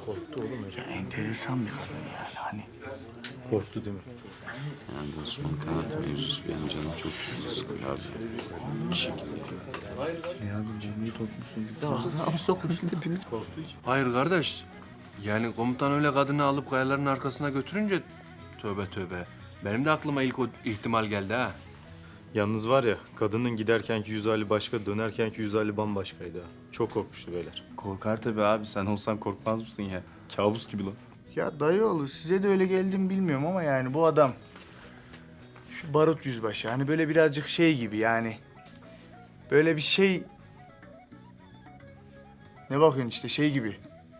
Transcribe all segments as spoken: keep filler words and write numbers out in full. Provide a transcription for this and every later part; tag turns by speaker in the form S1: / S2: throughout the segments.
S1: Korktu oğlum öyle.
S2: Ya enteresan bir kadın yani hani.
S1: Korktu değil mi?
S3: Yani bu Osman Kanat mevzusu benim canım çok sıkıyor abi. Bir şekilde.
S1: Ne abi bombayı topmuşsunuz.
S4: Hayır kardeş. Yani komutan öyle kadını alıp kayaların arkasına götürünce tövbe tövbe. Benim de aklıma ilk o ihtimal geldi ha.
S1: Yalnız var ya, kadının giderkenki yüz hali başka, dönerkenki yüz hali bambaşkaydı ha. Çok korkmuştu beyler.
S5: Korkar tabii abi. Sen olsan korkmaz mısın ya? Kabus gibi lan.
S2: Ya dayıoğlu size de öyle geldi mi bilmiyorum ama yani bu adam... Şu barut yüzbaşı hani böyle birazcık şey gibi yani. Böyle bir şey... Ne bakıyorsun işte şey gibi.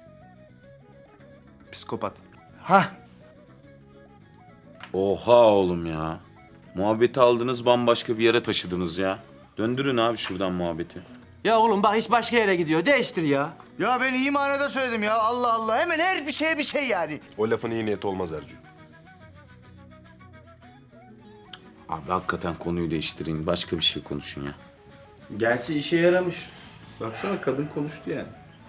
S5: Psikopat.
S2: Hah.
S3: Oha oğlum ya. Muhabbeti aldınız bambaşka bir yere taşıdınız ya. Döndürün abi şuradan muhabbeti.
S6: Ya oğlum bak iş başka yere gidiyor. Değiştir ya.
S2: Ya ben iyi manada söyledim ya Allah Allah. Hemen her bir şeye bir şey yani.
S7: O lafın iyi niyeti olmaz Ercü.
S3: Abi hakikaten konuyu değiştirin. Başka bir şey konuşun ya.
S5: Gerçi işe yaramış. Baksana kadın konuştu yani.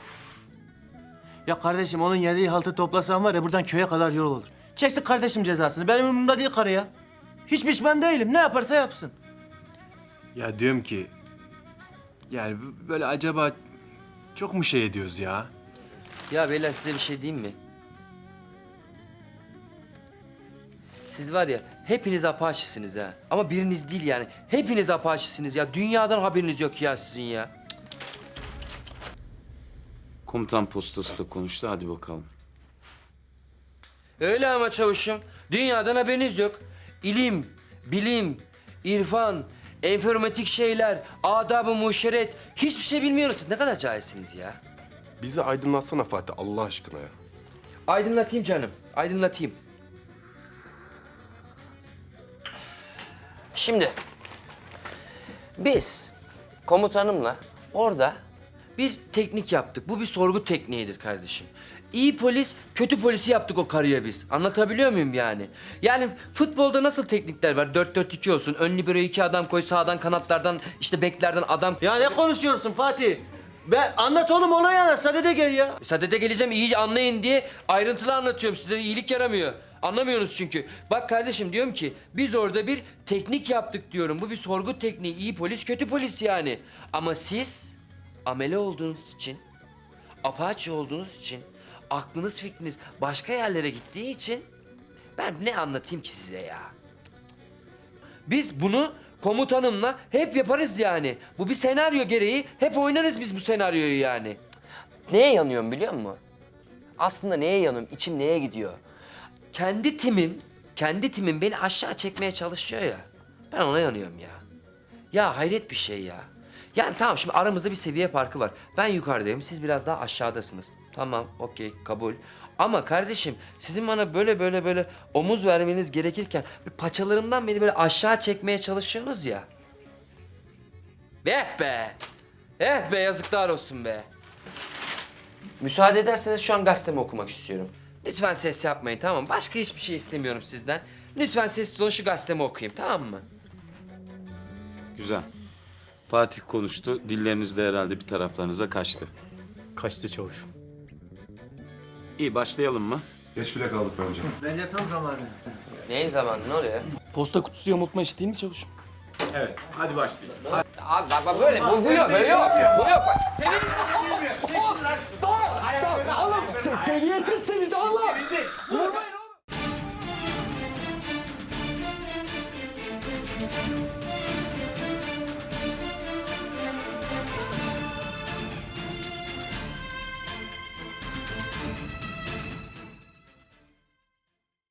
S6: Ya kardeşim onun yediği haltı toplasan var ya buradan köye kadar yol olur. Çeksin kardeşim cezasını. Benim umurumda değil karı ya. Hiç pişman değilim. Ne yaparsa yapsın.
S4: Ya diyorum ki... Yani böyle acaba çok mu şey ediyoruz ya?
S8: Ya beyler size bir şey diyeyim mi? Siz var ya hepiniz apaçisiniz ha. Ama biriniz değil yani. Hepiniz apaçisiniz ya. Dünyadan haberiniz yok ya sizin ya.
S3: Komutan postası da konuştu. Hadi bakalım.
S8: Öyle ama çavuşum. Dünyadan haberiniz yok. İlim, bilim, irfan, enformatik şeyler, adab-ı muşeret. Hiçbir şey bilmiyorsunuz. Ne kadar cahilsiniz ya.
S7: Bizi aydınlatsana Fatih Allah aşkına ya.
S8: Aydınlatayım canım. Aydınlatayım. Şimdi biz komutanımla orada bir teknik yaptık. Bu bir sorgu tekniğidir kardeşim. İyi polis, kötü polisi yaptık o karıya biz. Anlatabiliyor muyum yani? Yani futbolda nasıl teknikler var? dört dört iki olsun. Ön libero iki adam koy, sağdan kanatlardan, işte beklerden adam...
S6: Ya ne konuşuyorsun Fatih? Ben anlat oğlum olayı anlat. Sadede gel ya.
S8: Sadede geleceğim iyice anlayın diye ayrıntılı anlatıyorum size. İyilik yaramıyor. Anlamıyorsunuz çünkü. Bak kardeşim diyorum ki biz orada bir teknik yaptık diyorum. Bu bir sorgu tekniği. İyi polis, kötü polis yani. Ama siz amele olduğunuz için, apaçi olduğunuz için, aklınız fikriniz başka yerlere gittiği için ben ne anlatayım ki size ya? Biz bunu komutanımla hep yaparız yani. Bu bir senaryo gereği hep oynarız biz bu senaryoyu yani. Neye yanıyorum biliyor musun? Aslında neye yanıyorum? İçim neye gidiyor? Kendi timim, kendi timim beni aşağı çekmeye çalışıyor ya. Ben ona yanıyorum ya. Ya hayret bir şey ya. Yani tamam şimdi aramızda bir seviye farkı var. Ben yukarıdayım, siz biraz daha aşağıdasınız. Tamam, okey, kabul. Ama kardeşim sizin bana böyle böyle böyle omuz vermeniz gerekirken bir paçalarımdan beni böyle aşağı çekmeye çalışıyorsunuz ya. Eh be! Eh be yazıklar olsun be. Müsaade ederseniz şu an gazetemi okumak istiyorum. Lütfen ses yapmayın tamam mı? Başka hiçbir şey istemiyorum sizden. Lütfen sessiz olun şu gazetemi okuyayım tamam mı?
S3: Güzel. Fatih konuştu. Dilleriniz de herhalde bir taraflarınıza kaçtı.
S1: Kaçtı çavuşum.
S3: İyi başlayalım mı?
S7: Geç bile kaldık bence.
S6: Bence tam zamanı.
S8: Neyin zamanı ne oluyor?
S5: Posta kutusu yamultma işi değil mi çavuşum?
S3: Evet. Hadi başlayalım.
S8: Abi bak bak böyle bu, bu yok böyle yok. Bu yok bak. Senin... Seviyesiz seni